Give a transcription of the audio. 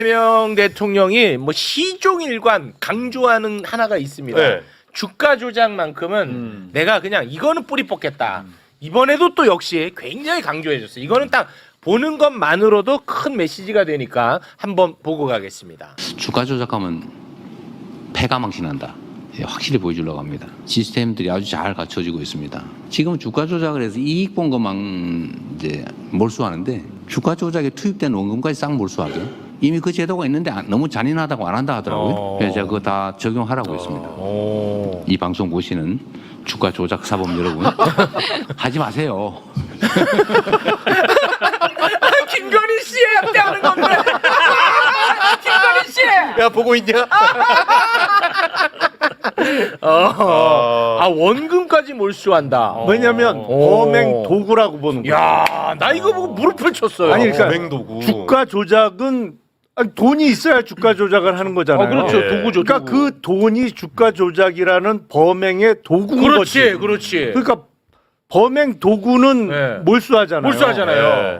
이재명 대통령이 뭐 시종일관 강조하는 하나가 있습니다. 네. 주가 조작만큼은 내가 그냥 이거는 뿌리 뽑겠다. 이번에도 또 역시 굉장히 강조해줬어요. 이거는 딱 보는 것만으로도 큰 메시지가 되니까 한번 보고 가겠습니다. 주가 조작하면 패가 망신한다. 예, 확실히 보여주려고 합니다. 시스템들이 아주 잘 갖춰지고 있습니다. 지금 주가 조작을 해서 이익 본 것만 이제 몰수하는데 주가 조작에 투입된 원금까지 싹 몰수하게 이미 그 제도가 있는데 너무 잔인하다고 안 한다 하더라고요. 그래서 제가 그거 다 적용하라고 했습니다. 이 방송 보시는 주가 조작 사범 여러분 하지 마세요. 김건희 씨한테 하는 건데. 김건희 씨. 야 보고 있냐? 아 원금까지 몰수한다. 왜냐면 범행 도구라고 보는 거야. 야, 나 이거 보고 무릎을 쳤어요. 아니 그러니까 범행도구. 주가 조작은 아니, 돈이 있어야 주가 조작을 하는 거잖아요. 그렇죠. 예. 도구죠. 그러니까 도구. 그 돈이 주가 조작이라는 범행의 도구인 그렇지, 거지. 그렇지. 그러니까 범행 도구는 네. 몰수하잖아요. 몰수하잖아요.